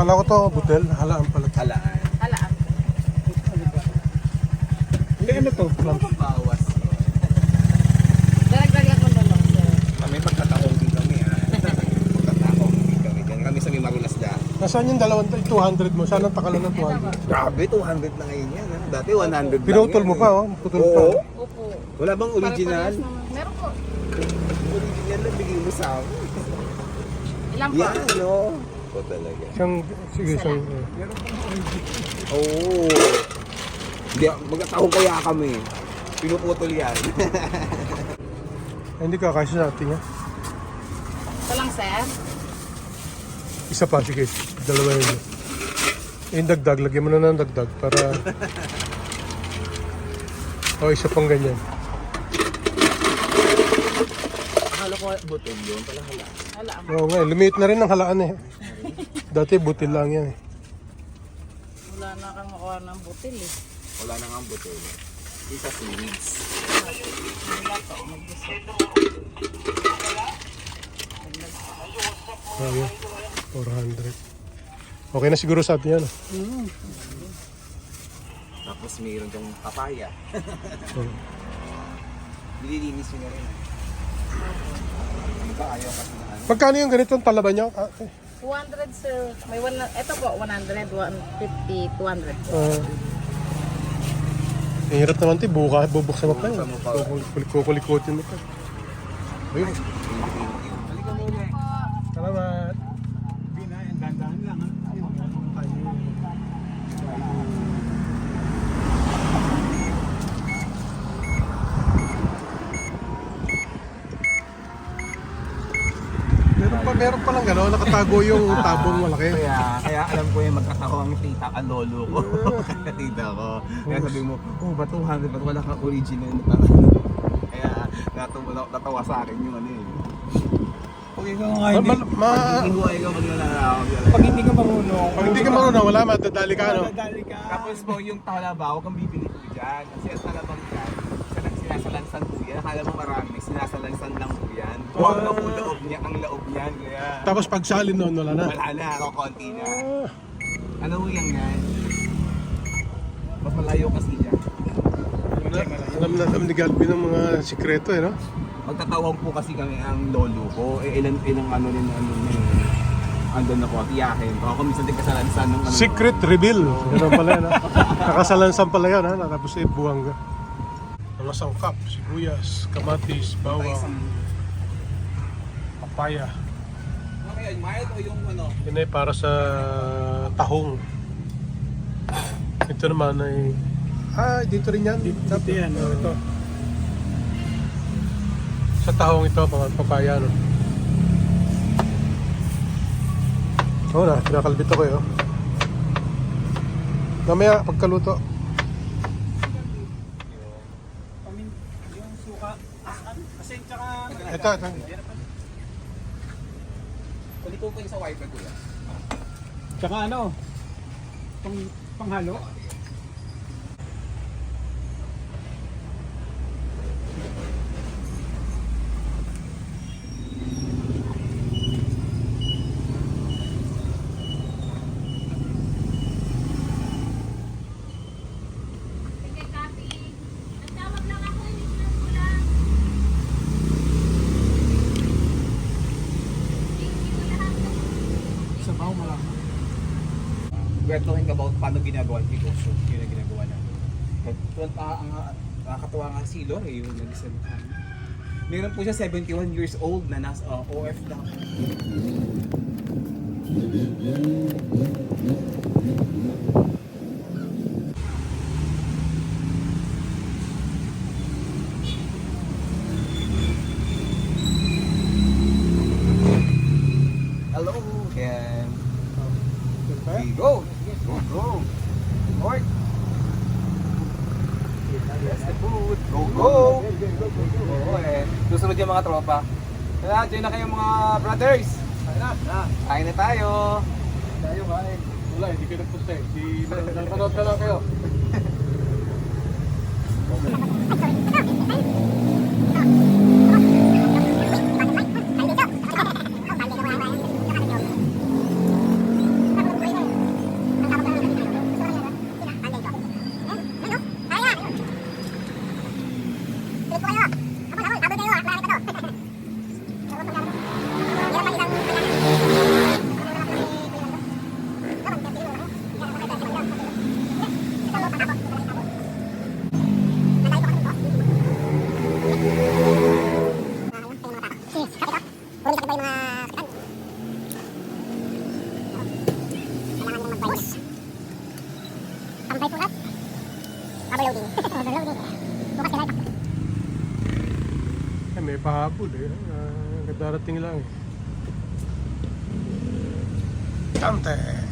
Kala ko to, butel. Halaan pala. Halaan. Halaan. Hindi, ano to? Bawas. Daragdagan ko na lang, sir. Kami magkatahong din kami ha. Magkatahong din kami. Diyan kami sa may Marulas dyan. Nasaan yung 200 mo? Saan ang takalan ng 200? Grabe, 200 na ngayon yan. Ano? Dati 100 lang Pinutol yan, mo pa, oh. Putol pa. Oo. Opo. Wala bang original? Pare-parehas naman. Meron po. Original lang bigay mo sa akin. Ilan po? Yan, no? O talaga. Sige, isang... Oo. Hindi, magkatahong kaya kami. Pinuputol yan. Ay, hindi ka kasi sa ating, ha? Ito lang, sir. Isa pa, sige. Dalawa yun. Yung dagdag, lagyan mo na ng dagdag para... O, isa pang ganyan. Akala ko butol yun, pala hala. Halaan. Oo nga, lumiit na rin ang halaan eh. Dati butil lang yan eh. Wala na kang makuha ng butil eh. Wala na nga ang butol. Isa series. Wala to, mag-gusto. Oh, yun. 400. Okay na siguro sa atin yan. Tapos mayroon yung papaya. Oh. Nililinis yun na rin. Ano ba ayaw kasi na ano? Magkano yung ganitong talaba nyo? 200, sir. May ito po, 100, 150, 200 po. Ang hirap naman ito, bubuksan mo pa yun. Bubuksan mo pa. Kukulikutin mo pa. Ayun. Halika muna eh. Salamat. Dandahan lang ha. Meron pa lang gano'n, nakatago yung tabong malaki. Kaya alam ko yung magkataho ang tita ang lolo ko. Tita ko. Kaya sabi mo, oh ba 200 ba't wala kang original na tanong. Kaya natawa sa akin yung ano eh. Pag ikaw nga hindi, Ihuay ka maglalawag. pag hindi ka marunong, Pag hindi ka marunong, wala, matadali ka, ano? madali ka. Tapos po yung talaba, huwag kang bibili po dyan. Kasi ang talabang dyan, sinasalansan po yan. Akala mo marami, sinasalansan lang po yan. Huwag na po loob niya, ang loob niyan. Kaya Tapos pag salin noon, wala na. wala na, konti na. Ano po yan yan? Mas malayo kasi dyan. Alam na ni Galvin ng mga sikreto eh, no? Magtatawag po kasi kami ang lolo ko. Ilang ano rin andun na po, tiyahin. Baka kung minsan din kasalansan ng ano. Secret reveal. Ganun pala yun, ha? Nakasalansan pala yun, ha? Tapos buwangga. Mga sangkap, sibuyas, kamatis, bawang, papaya. Ano yan, mild o yung ano? Yun ay para sa tahong. Ito naman ay... dito rin yan. Dito yan. Ito. Sa tahong ito, mga papaya, no? Oo na, pinakalbit ako eh, oh. Mamaya, pagkaluto. Yung suka, kasi tsaka, Ito. Kulit po yung sa wifi ko yan. tsaka ano, panghalo. Sabaw malaki. Kwentuhin ka about paano ginagawa yung negosyo. Yun ang ginagawa namin. Ang nakakatawa nga si Lore, yung nag-isang meron po siya 71 years old na nasa OFW. Hello, Ken. Okay, go! Go! North! Yes, the food! Go! Oo eh. Susunod yung mga tropa. Kaya, join na kayo mga brothers! Kain na tayo! Tayo, kain. Wala, hindi kayo nagpunta eh. Nanonood na lang kayo. Eh, may pahabol eh. Darating lang eh. Kante!